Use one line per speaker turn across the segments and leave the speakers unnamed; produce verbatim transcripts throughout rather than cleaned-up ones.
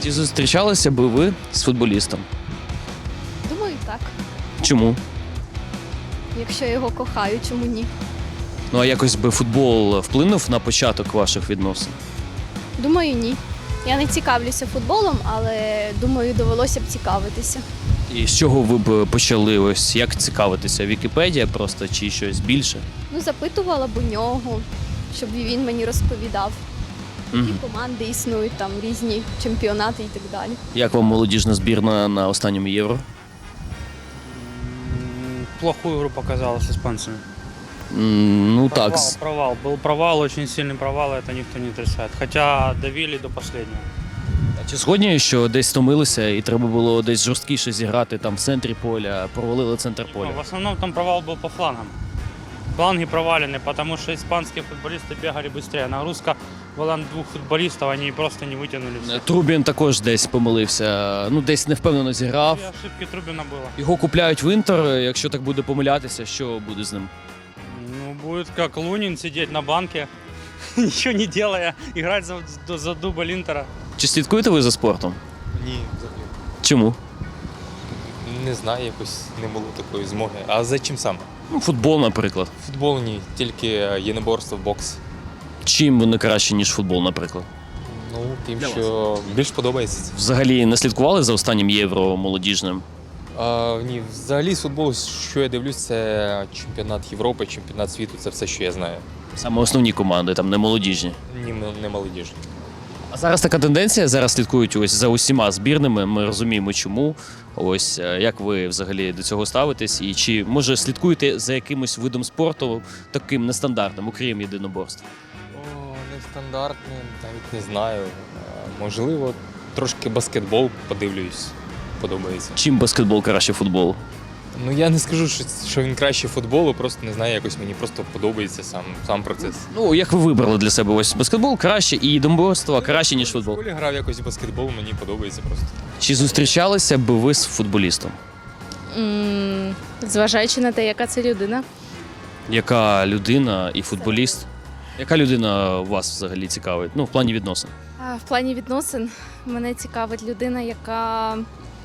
Чи зустрічалися би ви з футболістом?
Думаю, так.
Чому?
Якщо його кохаю, чому ні?
Ну а якось би футбол вплинув на початок ваших відносин?
Думаю, ні. Я не цікавлюся футболом, але думаю, довелося б цікавитися.
І з чого ви б почали? Ось як цікавитися? Вікіпедія просто чи щось більше?
Ну, запитувала б у нього, щоб він мені розповідав.
Угу.
Які команди існують, там різні чемпіонати і так далі.
Як вам молодіжна збірна на останньому євро?
М, Плохую игру показала с испанцами.
М, Ну
Провал,
так, з-
провал. Был провал, очень сильный провал, это никто не отрицает. Хотя давили до последнего.
чи згодні, що десь стомилися і треба було десь жорсткіше зіграти там в центрі поля, провалили центр
Ну,
поля?
в основном там провал был по флангам. Фланги провалены, потому что испанские футболисты бегали быстрее. Нагрузка была на двух футболистов, они просто не вытянули все.
Трубін також десь помилився, ну десь невпевнено зіграв.
Две ошибки Трубина было.
Його купляють в Інтер, якщо так буде помилятися, що буде з ним?
Ну, будет как Лунин сидеть на банке, ничего не делая, играть за, за дубль Интера.
Чи слідкуєте ви за спортом?
Ні, взагалі.
Чому?
Не знаю, якось не було такої змоги. А за чим саме?
Ну, футбол, наприклад.
Футбол ні, тільки єдиноборство, бокс.
Чим вони краще, ніж футбол, наприклад?
Ну, тим,
Для
що більш подобається.
Взагалі не слідкували за останнім євро молодіжним?
А, ні, взагалі з футболу, що я дивлюсь, це чемпіонат Європи, чемпіонат світу, це все, що я знаю.
Саме основні команди, там не молодіжні.
Ні, м- не молодіжні.
А зараз така тенденція, зараз слідкують ось за усіма збірними, ми розуміємо чому. Ось е, як ви взагалі до цього ставитесь? І чи може слідкуєте за якимось видом спорту таким нестандартним, окрім єдиноборств?
О, нестандартне, навіть не знаю. А, можливо, трошки баскетбол подивлюсь, подобається.
Чим баскетбол краще футболу?
Ну я не скажу, що, що він краще футболу, просто не знаю, якось мені просто подобається сам, сам процес.
Ну, як ви вибрали для себе ось баскетбол краще і єдиноборство краще, ніж
В
футбол?
школі грав якось в баскетбол, мені подобається просто.
Чи зустрічалися б ви з футболістом?
М, Зважаючи на те, яка це людина.
Яка людина і футболіст? Яка людина вас взагалі цікавить? Ну, в плані відносин.
А В плані відносин мене цікавить людина, яка,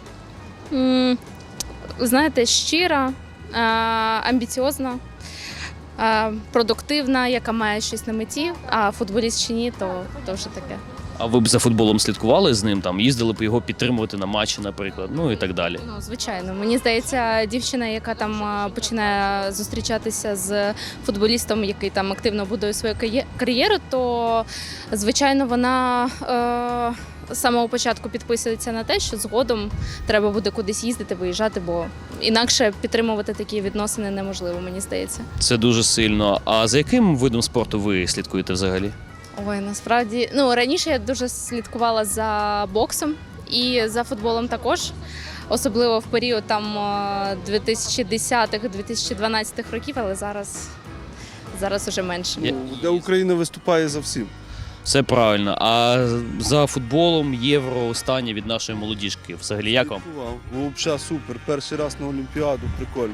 м, знаєте, щира, а, амбіціозна, а, продуктивна, яка має щось на меті, а футболіст чи ні, то, то вже таке.
А ви б за футболом слідкували з ним, там, їздили б його підтримувати на матчі, наприклад, ну і так далі.
Ну, звичайно, мені здається, дівчина, яка там а, починає зустрічатися з футболістом, який там активно будує свою кає- кар'єру, то звичайно вона е, з самого початку підписується на те, що згодом треба буде кудись їздити, виїжджати, бо інакше підтримувати такі відносини неможливо, мені здається.
Це дуже сильно. А за яким видом спорту ви слідкуєте взагалі?
Ой, насправді, ну раніше я дуже слідкувала за боксом і за футболом також. Особливо в період там е, дві тисячі десятих - дві тисячі дванадцятих років, але зараз, зараз уже менше.
Я-
Де Україна виступає за всім.
Все правильно. А за футболом євро останнє від нашої молодіжки. Взагалі, як вам?
Слідкував. Взагалі супер. Перший раз на Олімпіаду, прикольно.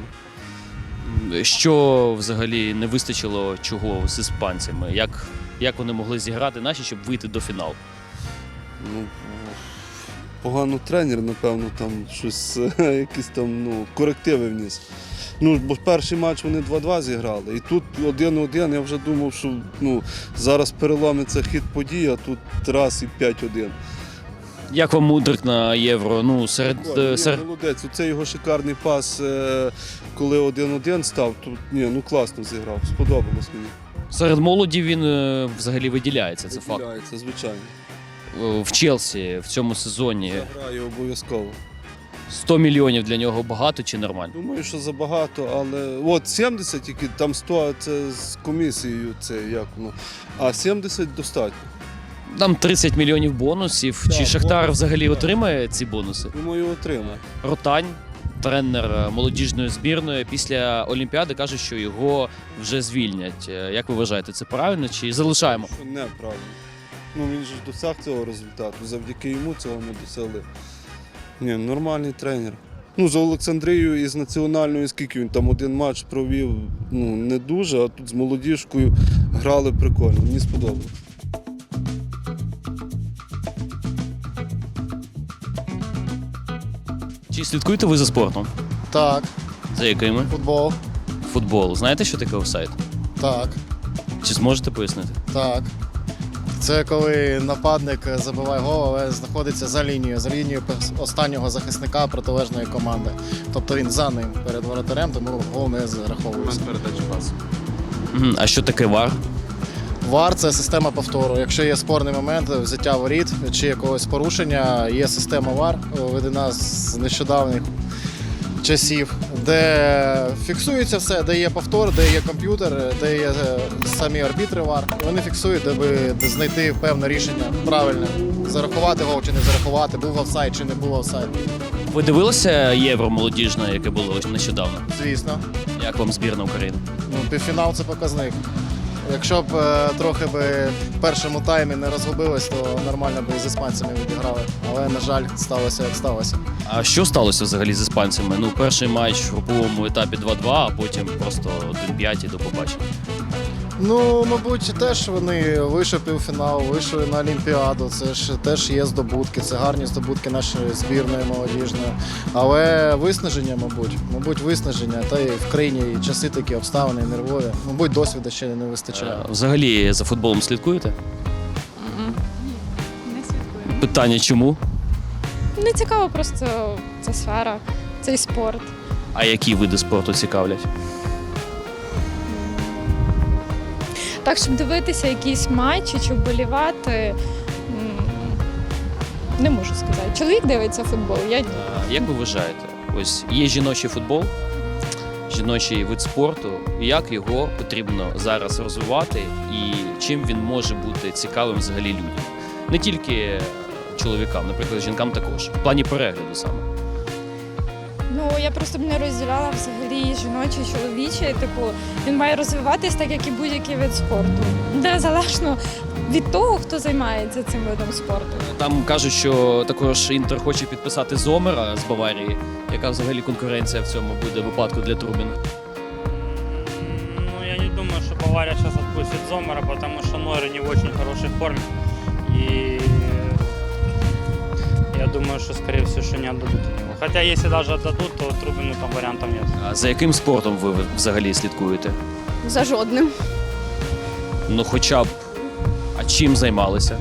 Що взагалі не вистачило чого з іспанцями? Як, як вони могли зіграти наші, щоб вийти до фіналу?
Ну, погано тренер, напевно, там щось, якісь там ну, корективи вніс. Ну, бо перший матч вони два-два зіграли. І тут один-один, я вже думав, що ну, зараз переломиться хід подій, а тут раз і п'ять-один.
Як вам Мудрик на євро? Ну, серед,
Ні,
е, серед...
молодець. Оце його шикарний пас, е, коли один-один став, тут ні, ну класно зіграв, сподобалось мені.
серед молоді він е, взагалі виділяється, це факт.
Виділяється, звичайно.
Е, В Челсі в цьому сезоні
Грає обов'язково.
сто мільйонів для нього багато чи нормально?
Думаю, що забагато, але от сімдесят тільки, там сто це з комісією, це як воно, а сімдесят достатньо.
Там тридцять мільйонів бонусів.
Так,
Чи Шахтар
бонус,
взагалі
так.
отримає ці бонуси?
Думаю, отримає.
Ротань, тренер молодіжної збірної, після Олімпіади каже, що його вже звільнять. Е, Як ви вважаєте, це правильно чи залишаємо?
Що неправильно. Ну він же ж досяг цього результату, завдяки йому цього ми досягли. Ні, нормальний тренер. Ну, з Олександрією із національною, скільки він там один матч провів, ну не дуже, а тут з молодіжкою грали прикольно, мені сподобалось.
Чи слідкуєте ви за спортом?
Так,
За якими?
футбол.
Футбол. Знаєте, що таке офсайд?
Так,
Чи зможете пояснити?
так. Це коли нападник забиває гол, але знаходиться за лінією, за лінією останнього захисника протилежної команди. Тобто він за ним перед воротарем, тому гол не зараховується.
Мгм. А що таке вар?
ВАР – це система повтору. Якщо є спорний момент взяття воріт чи якогось порушення, є система ВАР, введена з нещодавніх часів, де фіксується все, де є повтор, де є комп'ютер, де є е, самі арбітри ВАР. Вони фіксують, де би де знайти певне рішення правильне. Зарахувати гол чи не зарахувати, був офсайд чи не був офсайд.
Ви дивилися євро молодіжне, яке було ось нещодавно?
Звісно.
Як вам збірна України?
Ну, півфінал – це показник. Якщо б е, трохи би в першому таймі не розгубилось, то нормально би і з іспанцями відіграли. Але, на жаль, сталося як сталося.
А що сталося взагалі з іспанцями? Ну, перший матч в груповому етапі два-два, а потім просто один п'ять і до побачення.
Ну, мабуть, теж вони вийшли в півфінал, вийшли на Олімпіаду. Це ж теж є здобутки, це гарні здобутки нашої збірної молодіжної. Але виснаження, мабуть, мабуть, виснаження. Та й в країні і часи такі обставини, нервові. Мабуть, досвіду ще не вистачає.
Е, Взагалі за футболом слідкуєте?
Не слідкуємо.
Питання чому?
Не цікаво просто ця сфера, цей спорт.
А які види спорту цікавлять?
Так, щоб дивитися якісь матчі чи вболівати, м, не можу сказати. Чоловік дивиться футбол, я ні.
А як ви вважаєте? Ось є жіночий футбол, жіночий вид спорту. Як його потрібно зараз розвивати і чим він може бути цікавим взагалі людям? Не тільки чоловікам, наприклад, жінкам також. В плані перегляду саме.
Ну, я просто б не розділяла взагалі жіночий, чоловічий. Типу, він має розвиватись так, як і будь-який вид спорту. Незалежно від того, хто займається цим видом спорту.
Там кажуть, що також Інтер хоче підписати Зомера з Баварії. Яка взагалі конкуренція в цьому буде випадку для Трубіна?
Ну, я не думаю, что Бавария сейчас отпустит Зомера, потому что Нойер не в очень хорошей форме. И я думаю, что, скорее всего, что не отдадут его. Хотя, если даже отдадут, то Трубину там вариантов нет.
А за яким спортом ви взагалі слідкуєте?
За жодним.
Ну, хоча б. А чим займалися?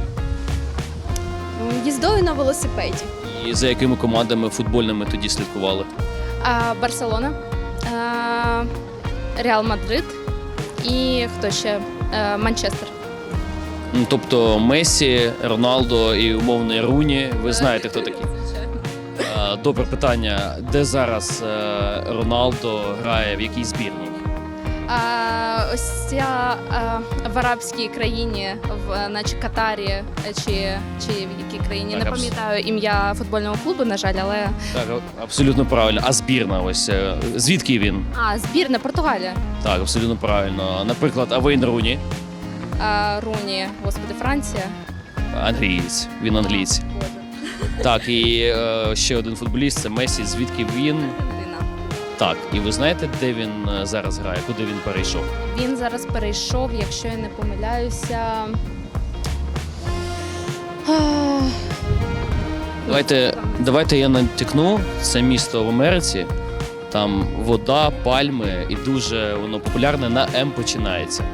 Їздою на велосипеді.
І за якими командами футбольними тоді слідкували?
А, Барселона, а, Реал Мадрид і хто ще? Е, Манчестер.
Ну, тобто Месі, Роналдо і умовний Руні. Ви знаєте, хто такі? А, Добре питання. Де зараз е, Роналдо грає, в якій збірній?
А, ось ця а, в арабській країні, в наче Катарі е, чи, чи в якій країні,
Так,
не
абс-
пам'ятаю ім'я футбольного клубу, на жаль, але
Так, абсолютно правильно. А збірна ось е, звідки він?
а збірна Португалія.
Так, абсолютно правильно. Наприклад, Авейн Руні,
А, Руні, господи, Франція.
англієць. Він англієць.
Боже.
Так, і е, ще один футболіст це Месі. Звідки він?
Аргентина.
Так, і ви знаєте, де він е, зараз грає? Куди він перейшов?
Він зараз перейшов, якщо я не помиляюся. а,
Давайте, давайте я натякну. Це місто в Америці. Там вода, пальми і дуже воно популярне на М починається.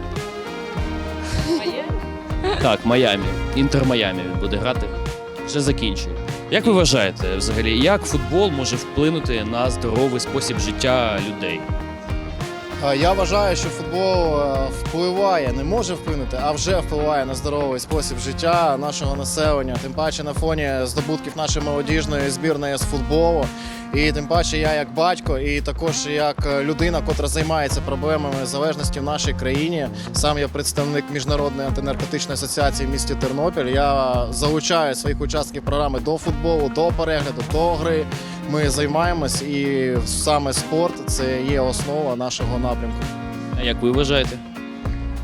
Так, Майамі. Інтер Майамі він буде грати. Вже закінчує. Як ви вважаєте, взагалі, як футбол може вплинути на здоровий спосіб життя людей?
Е, Я вважаю, що футбол е, впливає, не може вплинути, а вже впливає на здоровий спосіб життя нашого населення. Тим паче на фоні здобутків нашої молодіжної збірної з футболу. І тим паче я як батько, і також як людина, котра займається проблемами залежності в нашій країні. Сам я представник Міжнародної антинаркотичної асоціації в місті Тернопіль. Я залучаю своїх учасників програми до футболу, до перегляду, до гри. Ми займаємось, і саме спорт це є основа нашого напрямку.
А як ви вважаєте?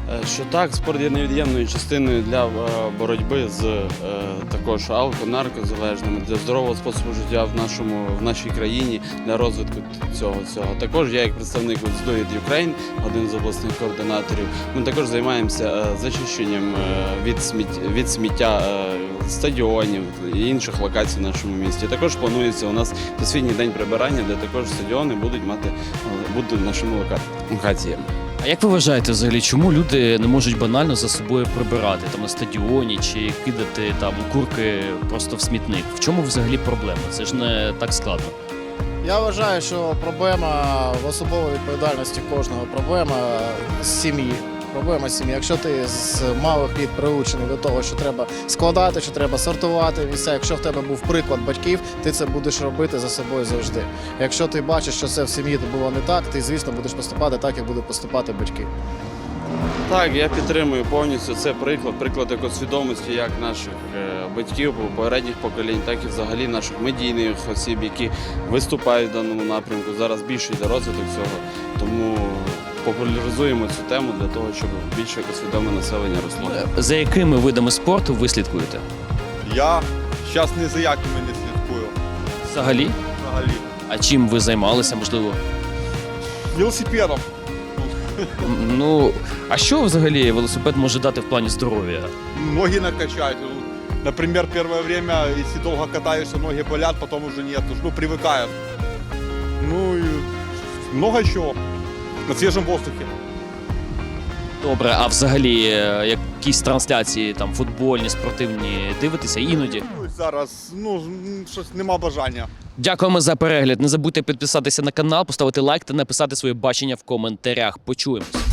Е, Що так, спорт є невід'ємною частиною для е, боротьби з е, також алко, наркозалежними, для здорового способу життя в нашому в нашій країні, для розвитку цього цього. Також я, як представник Let's Do It Ukraine, один з обласних координаторів, ми також займаємося е, зачищенням е, від сміття, від сміття е, стадіонів і інших локацій в нашому місті. Також планується у нас Всесвітній день прибирання, де також стадіони будуть мати е, будуть нашими лока- локаціями.
А як ви вважаєте взагалі, чому люди не можуть банально за собою прибирати там на стадіоні чи кидати там курки просто в смітник? В чому взагалі проблема? Це ж не так складно.
Я вважаю, що проблема в особовій відповідальності кожного, проблема з сім'ї. Проблема з сім'ї. Якщо ти з малих літ приучений до того, що треба складати, що треба сортувати місця, якщо в тебе був приклад батьків, ти це будеш робити за собою завжди. Якщо ти бачиш, що це в сім'ї було не так, ти, звісно, будеш поступати так, як будуть поступати батьки.
Так, я підтримую повністю. Це приклад, приклад екосвідомості як наших е, батьків, попередніх поколінь, так і взагалі наших медійних осіб, які виступають в даному напрямку. Зараз більше йде розвиток цього, тому популяризуємо цю тему для того, щоб більше екосвідоме населення росло.
За якими видами спорту ви слідкуєте?
Я зараз ні за якими не слідкую.
Взагалі?
Взагалі.
А чим ви займалися, можливо?
Велосипедом.
М, Ну, а що взагалі велосипед може дати в плані здоров'я?
Ноги накачать. Например, первое время, если долго катаешься, ноги болят, потом уже нет. Ну, привыкают. Ну и много чего. На свежем воздухе.
Добре, а взагалі е, якісь трансляції там футбольні, спортивні дивитеся іноді?
Ну, зараз, ну, щось нема бажання.
Дякуємо за перегляд. Не забудьте підписатися на канал, поставити лайк та написати своє бачення в коментарях. Почуємось.